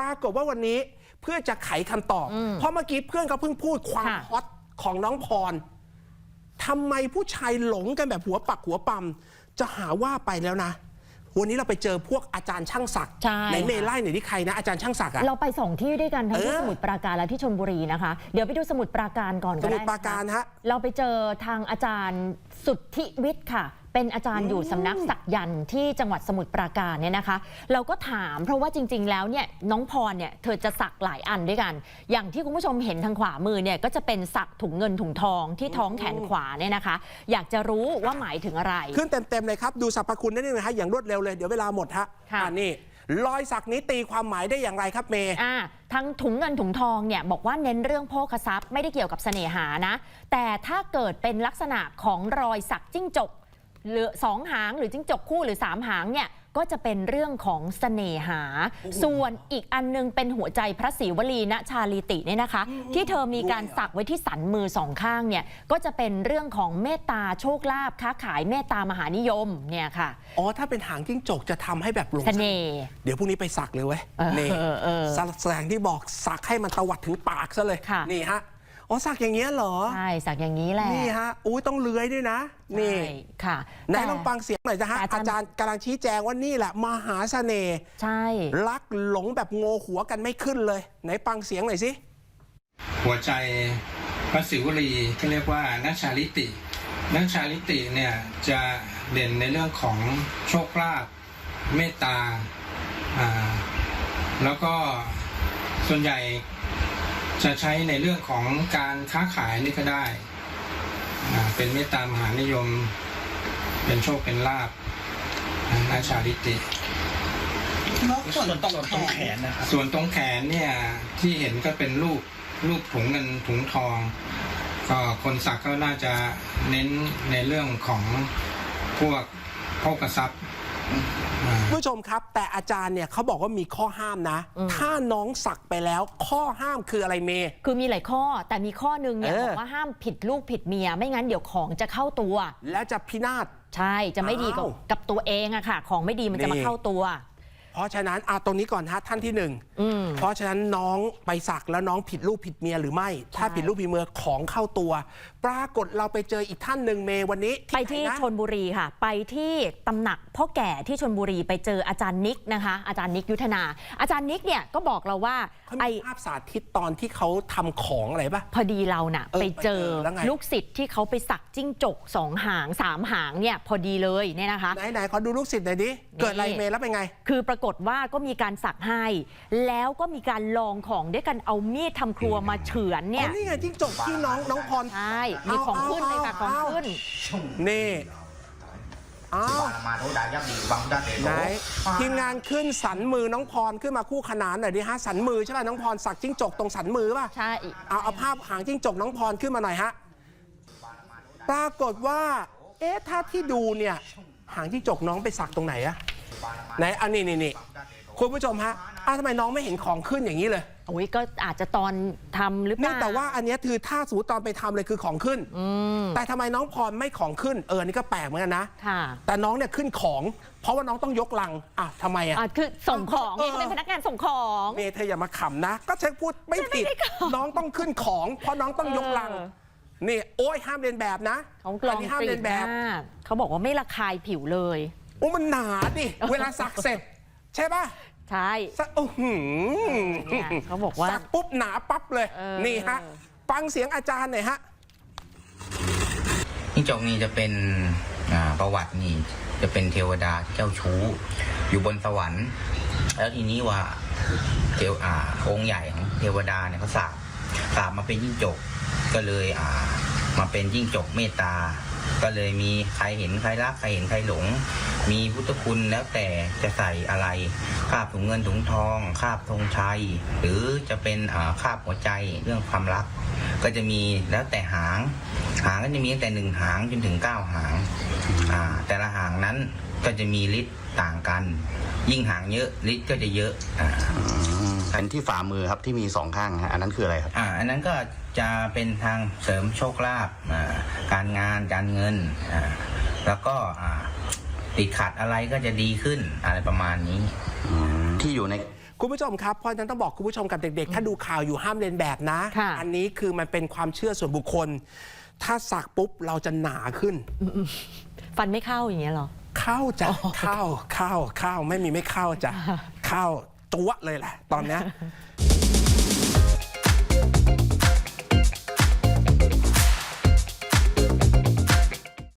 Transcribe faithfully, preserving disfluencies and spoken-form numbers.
ากฏว่าวันนี้เพื่อจะไขคำตอบเพราะเมื่อกี้เพื่อนเขาเพิ่งพูดความฮอตของน้องพรทำไมผู้ชายหลงกันแบบหัวปักหัวปั๊มจะหาว่าไปแล้วนะวันนี้เราไปเจอพวกอาจารย์ช่างศักดิ์ในเมไล่หน่อยที่ใครนะอาจารย์ช่างศักดิ์อะเราไปสองที่ด้วยกันทั้งที่สมุทรปราการและที่ชลบุรีนะคะเดี๋ยวไปดูสมุทรปราการก่อนก็ได้สมุทรปราการฮะเราไปเจอทางอาจารย์สุทธิวิทย์ค่ะเป็นอาจารย์อยู่สำนักศักยันต์ที่จังหวัดสมุทรปราการเนี่ยนะคะเราก็ถามเพราะว่าจริงๆแล้วเนี่ยน้องพรเนี่ยเธอจะสักหลายอันด้วยกันอย่างที่คุณผู้ชมเห็นทางขวามือเนี่ยก็จะเป็นสักถุงเงินถุงทองที่ท้องแขนขวาเนี่ยนะคะอยากจะรู้ว่าหมายถึงอะไรขึ้นเต็มๆเลยครับดูสรรพคุณได้เลยฮะอย่างรวดเร็วเลยเดี๋ยวเวลาหมดฮะอันนี้รอยสักนี้ตีความหมายได้อย่างไรครับเมย์อ่าทั้งถุงเงินถุงทองเนี่ยบอกว่าเน้นเรื่องโภคทรัพย์ไม่ได้เกี่ยวกับเสน่หานะแต่ถ้าเกิดเป็นลักษณะของรอยสักจิ้งจกหรือสองหางหรือจิ้งจกคู่หรือสามหางเนี่ยก็จะเป็นเรื่องของเสน่หาส่วนอีกอันนึงเป็นหัวใจพระศรีวลีณชาลีติเนี่ยนะคะที่เธอมีการสักไว้ที่สันมือสองข้างเนี่ยก็จะเป็นเรื่องของเมตตาโชคลาภค้าขายเมตตามหานิยมเนี่ยค่ะอ๋อถ้าเป็นหางจิ้งจกจะทำให้แบบหลงเสน่ห์เดี๋ยวพรุ่งนี้ไปสักเลยเว้ยนี่แสดงที่บอกสักให้มันตวัดถึงปากซะเลยนี่ฮะอ๋อสักอย่างเงี้ยเหรอใช่สักอย่างนี้แหละนี่ฮะอุ้ยต้องเลื้อยด้วยนะนี่ค่ะไหนลองฟังเสียงหน่อยนะฮะอาจารย์กำลังชี้แจงว่านี่แหละมหาเสน่ห์ใช่รักหลงแบบโงหัวกันไม่ขึ้นเลยไหนฟังเสียงหน่อยสิหัวใจพระศิวลีที่เรียกว่านัชชาลิตินัชชาลิติเนี่ยจะเด่นในเรื่องของโชคลาภเมตตาอ่าแล้วก็ส่วนใหญ่จะใช้ในเรื่องของการค้าขายนี่ก็ได้เป็นเมตตามหานิยมเป็นโชคเป็นลาภนัชชาลิติส่วนตรงแขนนะครับส่วนตรงแขนเนี่ยที่เห็นก็เป็นรูปรูปถุงเงินถุงทองก็คนสักก็น่าจะเน้นในเรื่องของพวกโภคทรัพย์ผู้ชมครับแต่อาจารย์เนี่ยเขาบอกว่ามีข้อห้ามนะถ้าน้องสักไปแล้วข้อห้ามคืออะไรเมย์คือมีหลายข้อแต่มีข้อนึงเนี่ยบอกว่าห้ามผิดลูกผิดเมียไม่งั้นเดี๋ยวของจะเข้าตัวและจะพินาศใช่จะไม่ดีกับกับตัวเองอะค่ะของไม่ดีมันจะมาเข้าตัวเพราะฉะนั้นเอาตรงนี้ก่อนฮะท่านที่หนึ่งเพราะฉะนั้นน้องไปสักแล้วน้องผิดลูกผิดเมียหรือไม่ถ้าผิดลูกผิดเมียของเข้าตัวปรากฏเราไปเจออีกท่านหนึ่งเมย์วันนี้ไปที่ชลบุรีค่ะไปที่ตำหนักพ่อแก่ที่ชลบุรีไปเจออาจารย์นิกนะคะอาจารย์นิกยุทธนาอาจารย์นิกเนี่ยก็บอกเราว่าไอภาพสาธิตตอนที่เขาทำของอะไรปะพอดีเราน่ะไปเจอลูกศิษย์ที่เขาไปสักจิ้งจกสองหางสามหางเนี่ยพอดีเลยเนี่ยนะคะไหนไหนขอดูลูกศิษย์หน่อยดิเกิดอะไรเมย์แล้วเป็นไงคือปรากฏว่าก็มีการสักให้แล้วก็มีการลองของด้วยกันเอามีดทำครัวมาเฉือนเนี่ยนี่ไงจิ้งจกที่น้องน้องพรใช่มีของขึ้นเลยค่ะของขึ้นนี่อ้าวไหนทีมงานขึ้นสันมือน้องพรขึ้นมาคู่ขนานหน่อยดิฮะสันมือใช่ป่ะน้องพรสักจิ้งจกตรงสันมือป่ะใช่เอาเอาภาพหางจิ้งจกน้องพรขึ้นมาหน่อยฮะปรากฏว่าเอ๊ะถ้าที่ดูเนี่ยหางจิ้งจกน้องไปสักตรงไหนอะไหนอันนี้นี่นี่คุณผู้ชมฮะอ้าวทำไมน้องไม่เห็นของขึ้นอย่างนี้เลยโอ้ยก็อาจจะตอนทำหรือเปล่าแต่ว่าอันนี้คือถ้าสูตรตอนไปทำเลยคือของขึ้นแต่ทำไมน้องพรไม่ของขึ้นเออนี่ก็แปลกเหมือนกันนะแต่น้องเนี่ยขึ้นของเพราะว่าน้องต้องยกลังอ่ะทำไมอ่ะคือส่งของนี่เป็นพนักงานส่งของเมย์เธออย่ามาขำนะก็เช็คพูดไม่ผิดน้องต้องขึ้นของเพราะน้องต้องยกลังนี่โอ้ยห้ามเรียนแบบนะอันนี้ห้ามเรียนแบบเขาบอกว่าไม่ระคายผิวเลยโอ้มันหนาดิเวลาสักเสร็จใช่ป่ะใช่โอ้โหเขาบอกว่าสักปุ๊บหนาปั๊บเลยนี่ฮะฟังเสียงอาจารย์หน่อยฮะจิ้งจกนี่จะเป็นประวัตินี่จะเป็นเทวดาเจ้าชู้อยู่บนสวรรค์แล้วทีนี้ว่าเทวอ่าองค์ใหญ่ของเทวดาเนี่ยเขาสาบสาบมาเป็นจิ้งจกก็เลยอ่ามาเป็นจิ้งจกเมตตาก็เลยมีใครเห็นใครรักใครเห็นใครหลงมีพุทธคุณแล้วแต่จะใส่อะไรคาบถุงเงินถุงทองคาบธงชัยหรือจะเป็นคาบหัวใจเรื่องความรักก็จะมีแล้วแต่หางหางก็จะมีตั้งแต่หนึ่งหางจนถึงเก้าหางแต่ละหางนั้นก็จะมีฤทธิ์ต่างกันยิ่งหางเยอะฤทธิ์ก็จะเยอะอันที่ฝ่ามือครับที่มีสองข้างฮะอันนั้นคืออะไรครับอ่าอันนั้นก็จะเป็นทางเสริมโชคลาภการงานการเงินแล้วก็ติดขัดอะไรก็จะดีขึ้นอะไรประมาณนี้ที่อยู่ในคุณผู้ชมครับเพราะฉะนั้นต้องบอกคุณผู้ชมกับเด็กๆ ถ้าดูข่าวอยู่ห้ามเลียนแบบนะค่ะอันนี้คือมันเป็นความเชื่อส่วนบุคคล ถ้าสักปุ๊บเราจะหนาขึ้นฟันไม่เข้าอย่างเงี้ยเหรอเข้าจ้ะเข้าเข้าเข้าไม่มีไม่เข้าจ้ะเข้าตัวเลยแหละตอนเนี้ย